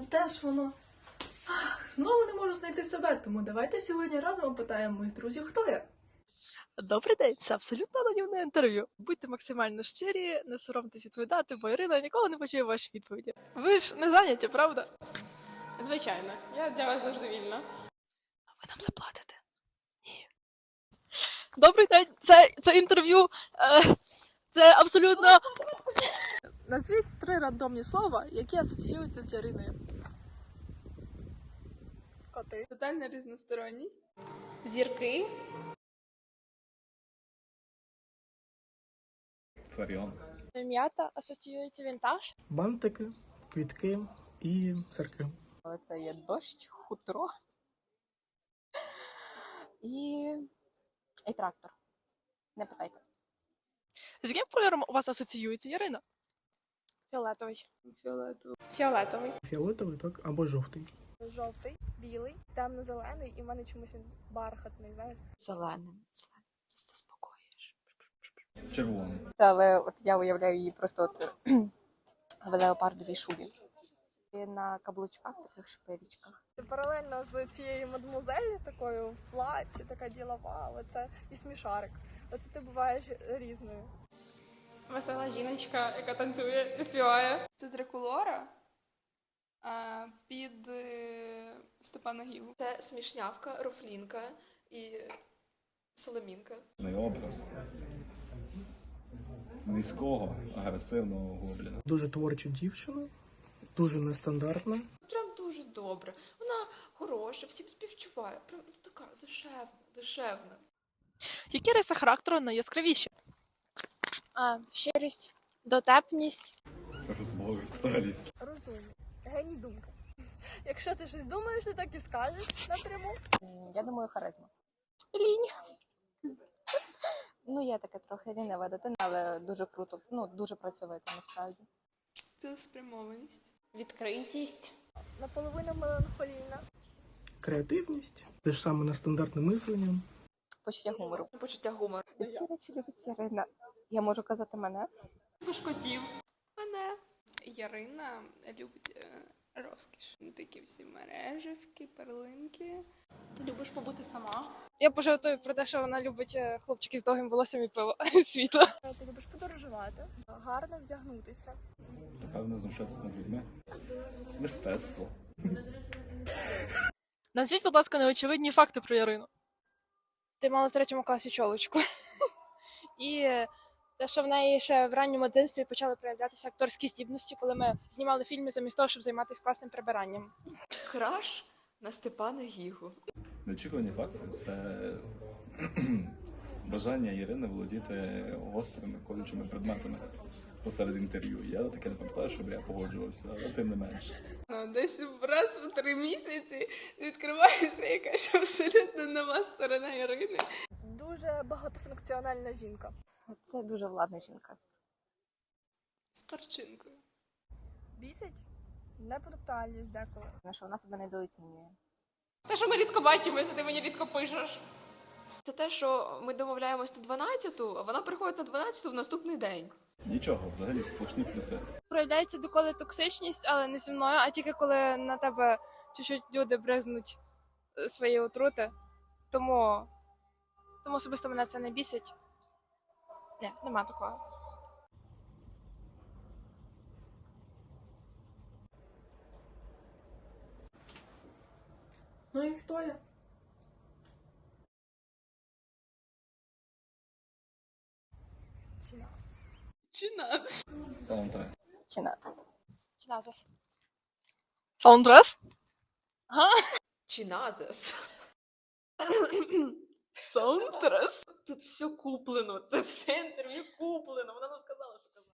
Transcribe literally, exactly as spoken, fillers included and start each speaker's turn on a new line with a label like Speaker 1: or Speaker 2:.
Speaker 1: де ж воно? Ах, знову не можу знайти себе, тому давайте сьогодні разом опитаємо моїх друзів, хто я.
Speaker 2: Добрий день, це абсолютно анонімне інтерв'ю. Будьте максимально щирі, не соромтесь відповідати, бо Ірина ніколи не почує ваші відповіді. Ви ж не зайняті, правда?
Speaker 3: Звичайно, я для вас завжди вільна.
Speaker 2: Ви нам заплатите? Ні. Добрий день, це, це інтерв'ю. Е, це абсолютно. Назвіть три рандомні слова, які асоціюються з Яриною.
Speaker 3: Коти. Тотальна різносторонність. Зірки.
Speaker 4: Фаріон.
Speaker 2: М'ята асоціюється вінтаж.
Speaker 5: Бантики, квітки і церкви.
Speaker 3: Це є дощ, хутро. І... і трактор. Не питайте.
Speaker 2: З яким кольором у вас асоціюється Ярина?
Speaker 3: Фіолетовий. Фіолетовий. Фіолетовий.
Speaker 5: Фіолетовий, так, або жовтий.
Speaker 6: Жовтий, білий, темно-зелений, і в мене чомусь він бархатний, знаєш.
Speaker 3: Зеленим. Зеленим. Заспокоїш.
Speaker 4: Червоний.
Speaker 3: Але от я уявляю її просто от в леопардовій шубі. І на каблучках, таких шпилічках.
Speaker 6: Паралельно з цією мадмузель, такою в платі, така ділова, оце і смішарик. Оце ти буваєш різною.
Speaker 7: Весела жіночка, яка танцює і співає. Це Дракулора а, під е, Степана Гігу.
Speaker 8: Це смішнявка, рофлінка і соломінка.
Speaker 4: Не образ низького, агресивного гобліна.
Speaker 5: Дуже творча дівчина, дуже нестандартна.
Speaker 8: Прям дуже добре. Вона хороша, всім співчуває. Прям така душевна, душевна.
Speaker 2: Які риси характеру найяскравіші?
Speaker 9: А, щирість, дотепність.
Speaker 4: Розбовиталість.
Speaker 6: Розумний. Геній думки. Якщо ти щось думаєш, ти так і скажеш напряму.
Speaker 3: Я думаю, харизма. Лінь. Ну, є таке трохи лінива дитина, але дуже круто. Ну, дуже працьовита, насправді.
Speaker 7: Цілеспрямованість.
Speaker 9: Відкритість.
Speaker 6: Наполовину меланхолійна.
Speaker 5: Креативність, те ж саме нестандартне мислення.
Speaker 3: Почуття гумору.
Speaker 8: Почуття гумору.
Speaker 3: Які речі любить Ярина? Я можу казати мене?
Speaker 7: Любиш котів.
Speaker 8: Мене.
Speaker 7: Ярина любить е, розкіш. Такі всі мереживки, перлинки. Любиш побути сама.
Speaker 9: Я пожартую про те, що вона любить е, хлопчиків з довгим волоссям і пиво світло.
Speaker 6: Ти любиш подорожувати, гарно вдягнутися.
Speaker 4: Напевно, знущатися над людьми. Мистецтво.
Speaker 2: Назвіть, будь ласка, неочевидні факти про Ярину.
Speaker 9: Ти мала в третьому класі чолочку. І е, те, що в неї ще в ранньому дитинстві почали проявлятися акторські здібності, коли ми знімали фільми замість того, щоб займатися класним прибиранням.
Speaker 8: Краш на Степана Гігу.
Speaker 4: Неочікувані факти – це бажання Ірини володіти гострими колючими предметами посеред інтерв'ю. Я таке не пам'ятаю, щоб я погоджувався, але тим не менше.
Speaker 7: Ну, десь раз в три місяці відкривається якась абсолютно нова сторона Ярини.
Speaker 6: Дуже багатофункціональна жінка.
Speaker 3: Це дуже владна жінка.
Speaker 7: З перчинкою.
Speaker 6: Бісить небрутальність деколи.
Speaker 3: Тому що вона себе недооцінює.
Speaker 7: Те, що ми рідко бачимося, ти мені рідко пишеш.
Speaker 8: Це те, що ми домовляємось на дванадцяту, а вона приходить на дванадцяту в наступний день.
Speaker 4: Нічого, взагалі, сплошні плюси.
Speaker 9: Проявляється доколи токсичність, але не зі мною, а тільки коли на тебе чуть-чуть люди бризнуть е, свої отрути. Тому, тому особисто мене це не бісить. Ні, нема такого.
Speaker 1: Ну і хто я?
Speaker 6: Чинасис.
Speaker 7: Чи нас?
Speaker 4: Саундтрек.
Speaker 3: Чи не?
Speaker 9: Чиназис.
Speaker 2: Саундтрес?
Speaker 8: Чи назис.
Speaker 7: Саундтрес?
Speaker 8: Тут все куплено, це все інтерв'ю куплено. Вона нам сказала, що